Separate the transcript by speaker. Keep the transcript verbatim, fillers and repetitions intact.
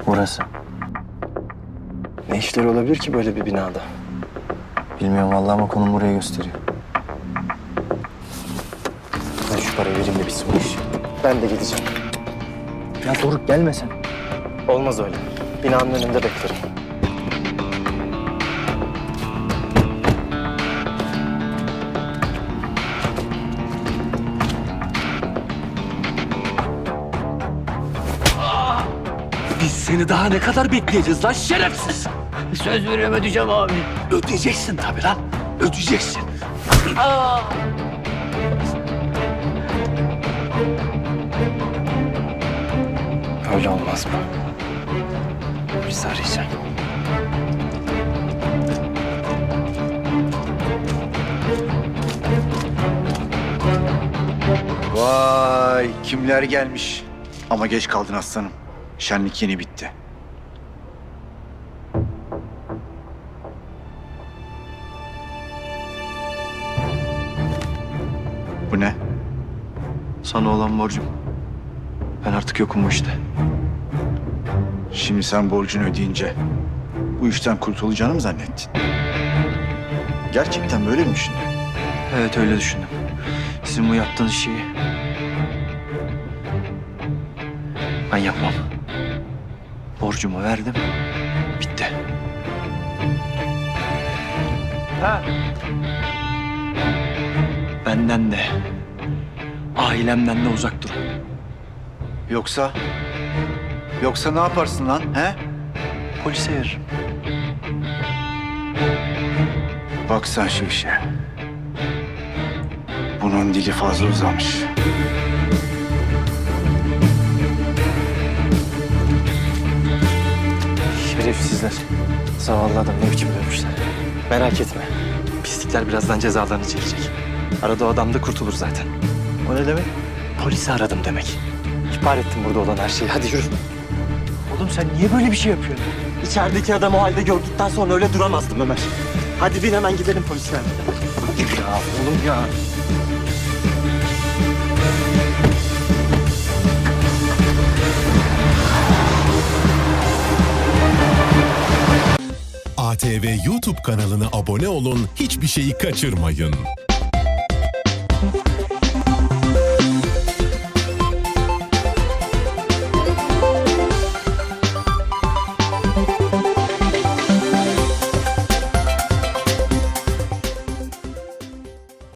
Speaker 1: Burası.
Speaker 2: Ne işleri olabilir ki böyle bir binada?
Speaker 1: Bilmiyorum vallahi ama konum buraya gösteriyor.
Speaker 2: Ben şu parayı vereyim de bitsin bu iş. Ben de gideceğim.
Speaker 1: Ya Doruk gelme sen.
Speaker 2: Olmaz öyle. Binanın önünde beklerim.
Speaker 3: Biz seni daha ne kadar bekleyeceğiz lan şerefsiz?
Speaker 4: Söz veriyorum ödeyeceğim abi.
Speaker 3: Ödeyeceksin tabii lan. Ödeyeceksin.
Speaker 2: Öyle olmaz mı? Biz arayacağım.
Speaker 5: Vay kimler gelmiş. Ama geç kaldın aslanım. Şenlik yeni bitti. Bu ne?
Speaker 1: Sana olan borcum. Ben artık yokum bu işte.
Speaker 5: Şimdi sen borcunu ödeyince bu işten kurtulacağını mı zannettin? Gerçekten böyle mi düşündün?
Speaker 1: Evet öyle düşündüm. Sizin bu yaptığınız şeyi ben yapmam. Borcumu verdim. Bitti. Ha. Benden de, ailemden de uzak durun.
Speaker 5: Yoksa... Yoksa ne yaparsın lan he?
Speaker 1: Polise veririm.
Speaker 5: Bak sen şu işe. Bunun dili fazla uzamış.
Speaker 2: Şerefsizler. Zavallı adam ne biçim dövmüşler. Merak etme. Pislikler birazdan cezalarını çekecek. Arada o adam da kurtulur zaten.
Speaker 1: O ne demek?
Speaker 2: Polisi aradım demek. İhbar ettim burada olan her şeyi. Hadi yürü.
Speaker 1: Oğlum sen niye böyle bir şey yapıyorsun?
Speaker 2: İçerideki adamı o halde gördükten sonra öyle duramazdım Ömer. Hadi bin hemen gidelim polislerle.
Speaker 1: Ya oğlum ya.
Speaker 6: A T V YouTube kanalına abone olun, hiçbir şeyi kaçırmayın.